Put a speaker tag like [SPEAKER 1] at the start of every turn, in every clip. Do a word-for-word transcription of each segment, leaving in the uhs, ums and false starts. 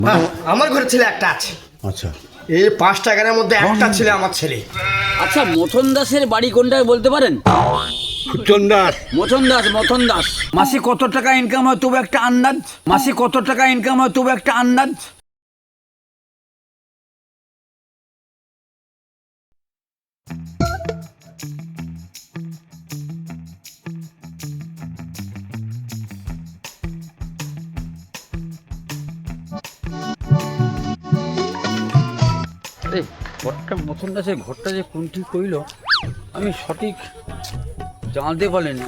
[SPEAKER 1] হ্যাঁ, আমার ঘরে ছেলে একটা আছে।
[SPEAKER 2] আচ্ছা,
[SPEAKER 1] এই পাঁচটা গানের মধ্যে একটা ছেলে আমার ছেলে।
[SPEAKER 3] আচ্ছা, মথন দাসের বাড়ি কোনটায় বলতে পারেন?
[SPEAKER 2] ফুটন দাস।
[SPEAKER 3] মথন দাস, মথন দাস। মাসে কত টাকা ইনকাম হয় তবু একটা আন্দাজ? মাসে কত টাকা ইনকাম হয় তবু একটা আন্দাজ? এই ঘরটা মথন দাসের ঘরটা যে কোনটি কইল আমি সঠিক জানতে পারিনি।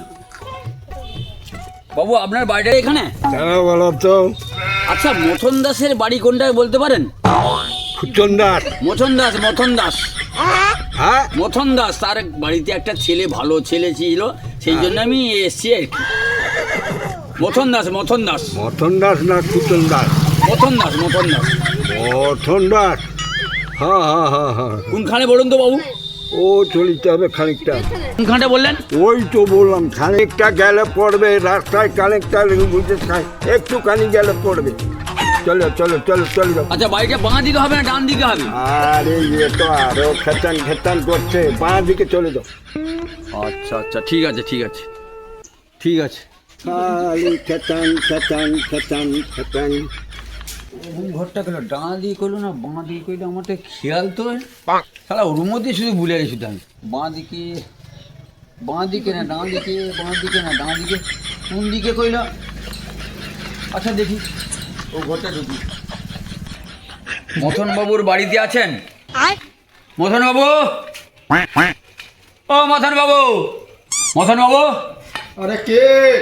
[SPEAKER 3] বাবু, আপনার বাড়িটা এখানে?
[SPEAKER 2] কেন বলো তো?
[SPEAKER 3] আচ্ছা, মথন দাসের বাড়ি কোনটায় বলতে পারেন?
[SPEAKER 2] ফুটন দাস।
[SPEAKER 3] মথন দাস, মথন দাস,
[SPEAKER 2] হ্যাঁ,
[SPEAKER 3] মথন দাস। তার বাড়িতে একটা ছেলে, ভালো ছেলে ছিল, সেই জন্য আমি এসছি আর কি। মথন দাস, মথন দাস,
[SPEAKER 2] মথন দাস না ফুটন দাস?
[SPEAKER 3] মথন দাস, মথন দাস।
[SPEAKER 2] মথন দাস, হ্যাঁ হ্যাঁ হ্যাঁ হ্যাঁ।
[SPEAKER 3] কোনখানে বলুন তো বাবু?
[SPEAKER 2] ও চলিতে হবে খানিকটা।
[SPEAKER 3] কোনখানে বললেন?
[SPEAKER 2] ওই তো বললাম, খানিকটা গেলে পড়বে রাস্তায়, খানিকটা বুঝে একটুখানি গেলে পড়বে। চলো চলো চলো চলো।
[SPEAKER 3] আচ্ছা, বাড়িটা বাঁ দিকে হবে না ডান দিকে হবে?
[SPEAKER 2] আরে ইয়ে তো আরো খেতান খেতান করছে, বাঁ দিকে চলে যাও।
[SPEAKER 3] আচ্ছা আচ্ছা, ঠিক আছে ঠিক আছে ঠিক আছে।
[SPEAKER 2] খালি খেতান খেতান খেতান খেতান।
[SPEAKER 3] কোন ঘরটা গেল? ডান দিকে করলো না বাঁ দিকে করলো? আমার তো খেয়াল তো সারা ওর মধ্যে শুধু ভুলে গেছি শুধু আমি। বাঁ দিকে, বাঁ দিকে না ডান দিকে, বাঁ দিকে না ডান দিকে, কোন দিকে কইল? আচ্ছা দেখি, ও ঘরটা ঢুকি। মথন বাবুর বাড়িতে আছেন? মথন বাবু, ও মথন বাবু, মথন বাবু।
[SPEAKER 1] আরে কে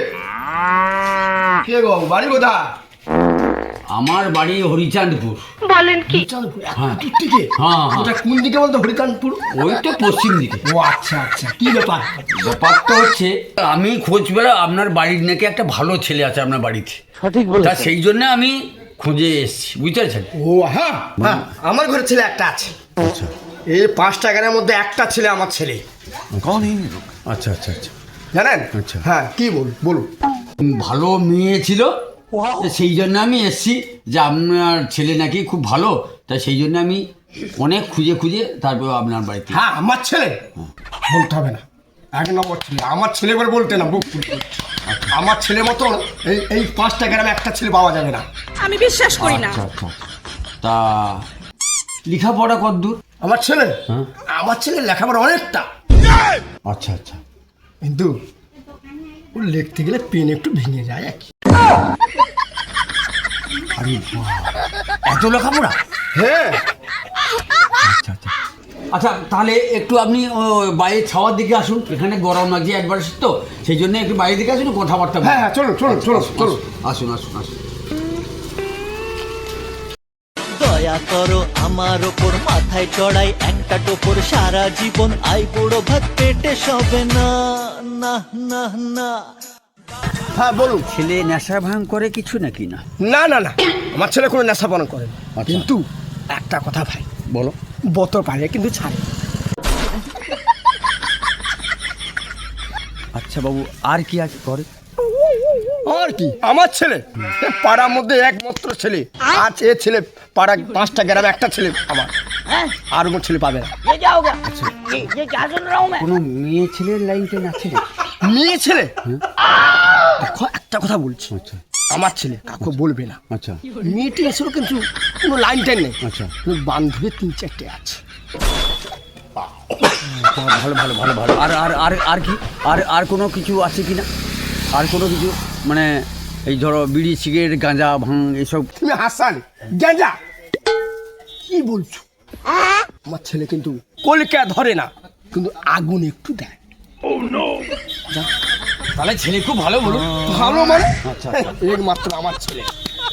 [SPEAKER 1] কে গো? বাড়ি কোথায়?
[SPEAKER 3] আমার বাড়ি হরিচাঁদপুর।
[SPEAKER 4] বলেন কি?
[SPEAKER 3] হ্যাঁ
[SPEAKER 1] দূর থেকে?
[SPEAKER 3] হ্যাঁ হ্যাঁ,
[SPEAKER 1] ওটা কোন দিকে বলতো? হরিকানপুর?
[SPEAKER 3] ওই তো পশ্চিম দিকে।
[SPEAKER 1] ও আচ্ছা আচ্ছা, কি ব্যাপার?
[SPEAKER 3] ব্যাপার তো হচ্ছে, আমি খোঁজ বেড়া আপনার বাড়ির নাকি একটা ভালো ছেলে আছে আপনার বাড়িতে।
[SPEAKER 1] সঠিক
[SPEAKER 3] তা সেই জন্য আমি খুঁজে এসেছি, বুঝতে পারছেন?
[SPEAKER 1] ও হ্যাঁ হ্যাঁ, আমার ঘরে ছেলে একটা আছে।
[SPEAKER 2] আচ্ছা
[SPEAKER 1] এই পাঁচটা গানের মধ্যে একটা ছেলে আমার ছেলে,
[SPEAKER 2] আচ্ছা আচ্ছা আচ্ছা
[SPEAKER 1] জানেন?
[SPEAKER 2] আচ্ছা।
[SPEAKER 1] হ্যাঁ, কি বল বলুন।
[SPEAKER 3] ভালো মেয়ে ছিল, তো সেই জন্য আমি এসেছি যে আপনার ছেলে নাকি খুব ভালো, তাই সেই জন্য আমি অনেক খুঁজে খুঁজে তারপর আপনার বাড়িতে।
[SPEAKER 1] হ্যাঁ, আমার ছেলে বলতে হবে না, এক নম্বর ছেলে আমার ছেলে বলে বলতে না, বুক ফুল ফুল। আমার ছেলে মতো এই এই পাঁচটা গ্রামে একটা ছেলে পাওয়া যাবে না।
[SPEAKER 4] আমি বিশ্বাস করি না।
[SPEAKER 3] আচ্ছা আচ্ছা, তা লেখাপড়া কতদূর?
[SPEAKER 1] আমার ছেলে,
[SPEAKER 3] হ্যাঁ।
[SPEAKER 1] আমার ছেলে লেখাপড়া অনেকটা,
[SPEAKER 3] আচ্ছা আচ্ছা,
[SPEAKER 1] কিন্তু ও লিখতে গেলে পেন একটু ভেঙে যায় আর কি।
[SPEAKER 3] আরে বাহ, এত লেখাপড়া?
[SPEAKER 1] হ্যাঁ,
[SPEAKER 3] আচ্ছা আচ্ছা আচ্ছা, তাহলে একটু আপনি ও, বাইরে ছাওয়ার দিকে আসুন, এখানে গরম লাগছে একবার তো, সেই জন্য একটু বাইরে দিকে আসুন, কথাবার্তা বলুন।
[SPEAKER 1] হ্যাঁ হ্যাঁ, চলুন চলুন চলুন চলুন।
[SPEAKER 3] আসুন আসুন আসুন।
[SPEAKER 5] দয়া করো আমার ওপর, মাথায় চড়াই একটা টোপর, সারা জীবন আই বুড়ো ভাত পেটে সবে না না না না।
[SPEAKER 1] হ্যাঁ বলুন।
[SPEAKER 3] ছেলে নেশা ভাঙ করে কিছু নাকি? না
[SPEAKER 1] না না না, আমার ছেলে কোনো নেশা পালন করে না,
[SPEAKER 3] আচ্ছা।
[SPEAKER 1] কিন্তু একটা কথা ভাই,
[SPEAKER 3] বলো।
[SPEAKER 1] বোতল পারে কিন্তু ছাড়ে।
[SPEAKER 3] আচ্ছা বাবু, আর কি আছে করে?
[SPEAKER 1] আর কি, আমার ছেলে এ পাড়ার মধ্যে একমাত্র ছেলে, আজ এ ছেলে পাড়া পাঁচটা গ্রামে একটা ছেলে আমার, আর কোনো ছেলে পাবে না।
[SPEAKER 3] কোনো মেয়ে ছেলের লাইন টেন আছে না?
[SPEAKER 1] মেয়ে ছেলে, দেখো একটা কথা বলছি,
[SPEAKER 3] আচ্ছা
[SPEAKER 1] আমার ছেলে কাকু বলবে না,
[SPEAKER 3] আচ্ছা
[SPEAKER 1] মেয়েটি এসেও কিন্তু কোনো লাইন টেন নেই,
[SPEAKER 3] আচ্ছা,
[SPEAKER 1] কিন্তু বান্ধবী তিন চারটে আছে।
[SPEAKER 3] ভালো ভালো ভালো ভালো। আর আর আর আর কি, আর আর কোনো কিছু আছে কি না? আর কোনো কিছু মানে এই ধরো বিড়ি সিগারেট গাঁজা ভাঙ এইসব?
[SPEAKER 1] তুমি হাসান গেঁজা কি বলছো? আমার ছেলে কিন্তু কলকা ধরে না, কিন্তু আগুন একটু দেয়।
[SPEAKER 3] তাহলে ছেলে খুব ভালো, বলুন।
[SPEAKER 1] ভালো মানে
[SPEAKER 3] আচ্ছা
[SPEAKER 1] একমাত্র আমার ছেলে।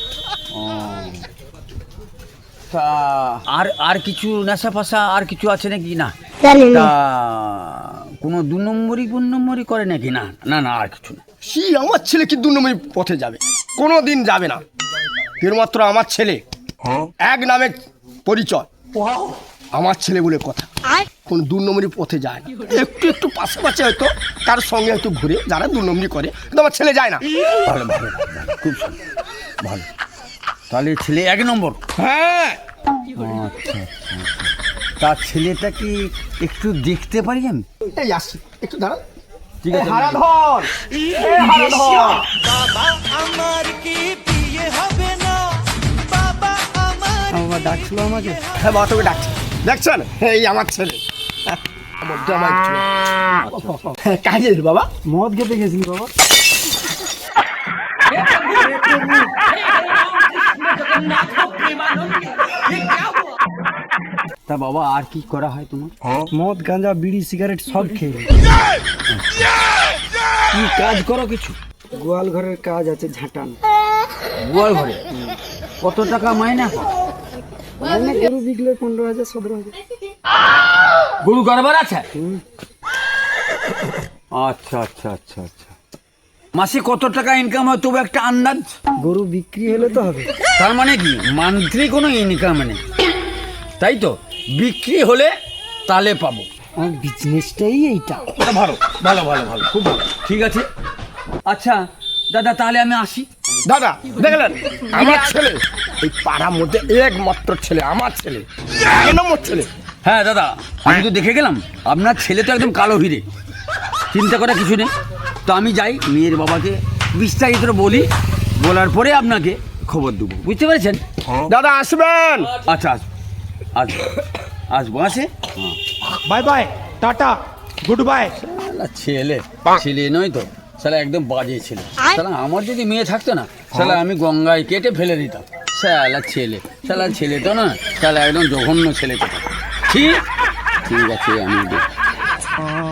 [SPEAKER 3] তা আর আর কিছু নেশা ফাশা আর কিছু আছে নাকি? না। তা কোনো দু নম্বরই কোন নম্বরই করে নাকি? না না না, আর কিছু না।
[SPEAKER 1] কি আমার ছেলে কি দু নম্বরী পথে যাবে? কোনো দিন যাবে না। কেবলমাত্র আমার ছেলে এক নামে পরিচয়, আমার ছেলে বলে কথা, কোন দু নম্বরী পথে যায় না। একটু একটু পাশাপাশি হয়তো তার সঙ্গে হয়তো ঘুরে যারা দু নম্বরী করে, কিন্তু আমার ছেলে যায় না।
[SPEAKER 3] ভালো ভালো ভালো, খুব সুন্দর, ভালো। তাহলে ছেলে এক নম্বর।
[SPEAKER 1] হ্যাঁ
[SPEAKER 3] আচ্ছা আচ্ছা তার ছেলেটা কি একটু দেখতে পারি আমি?
[SPEAKER 1] এই আসছি, একটু দাঁড়া।
[SPEAKER 3] ঠিক আছে।
[SPEAKER 1] হারাধন, এই হারাধন।
[SPEAKER 5] বাবা আমার কি বিয়ে হবে না? বাবা আমার
[SPEAKER 3] বাবা ডাকছিল আমাকে।
[SPEAKER 1] হ্যাঁ মা তোকে ডাকছে, দেখছেন এই আমার ছেলে। হ্যাঁ, মধ্যে আমার ছেলে। হ্যাঁ, কাজে বাবা
[SPEAKER 3] মদ খেতে গেছিস বাবা? তা বাবা আর কি করা হয় তোমার?
[SPEAKER 6] মদ গাঁজা বিড়ি সিগারেট সব খেয়ে নিই।
[SPEAKER 3] কি কাজ করো কিছু?
[SPEAKER 6] গোয়াল ঘরের কাজ আছে ঝাঁটান।
[SPEAKER 3] গোয়াল ঘরে কত টাকা মাইনা পাও?
[SPEAKER 6] মানে গরু বিকলে পনেরো হাজার সতেরো হাজার।
[SPEAKER 3] গরু কারবার আছে? আচ্ছা আচ্ছা আচ্ছা আচ্ছা মাসে কত টাকা ইনকাম হয় তবু একটা আন্দাজ?
[SPEAKER 6] গরু বিক্রি হলে তো হবে।
[SPEAKER 3] তার মানে কি মান্থলি কোনো ইনকাম নেই, তাই তো? বিক্রি হলে তাহলে পাবো।
[SPEAKER 6] আমার বিজনেসটাই এইটা।
[SPEAKER 3] ভালো ভালো ভালো ভালো খুব ভালো, ঠিক আছে। আচ্ছা দাদা তাহলে আমি আসি।
[SPEAKER 1] দাদা দেখলেন আমার ছেলে এই পাড়ার মধ্যে একমাত্র ছেলে, আমার ছেলে, এক নম্বর ছেলে।
[SPEAKER 3] হ্যাঁ দাদা আমি তো দেখে গেলাম আপনার ছেলে তো একদম কালো হিরে, চিন্তা করার কিছু নেই। তো আমি যাই মেয়ের বাবাকে বিস্তারিত বলি, বলার পরে আপনাকে খবর দেবো, বুঝতে পেরেছেন?
[SPEAKER 1] দাদা আসবেন।
[SPEAKER 3] আচ্ছা আস আস আসবো আসে।
[SPEAKER 7] Bye bye, tata, goodbye.
[SPEAKER 3] শালা ছেলে ছেলে নয় তো, শালা একদম বাজে ছেলে। শালা আমার যদি মেয়ে থাকতো না, শালা আমি গঙ্গায় কেটে ফেলে দিতাম। শালা ছেলে, শালা ছেলে তো না, শালা একদম জঘন্য ছেলে। ঠিক ঠিক আছে আমি দেখি।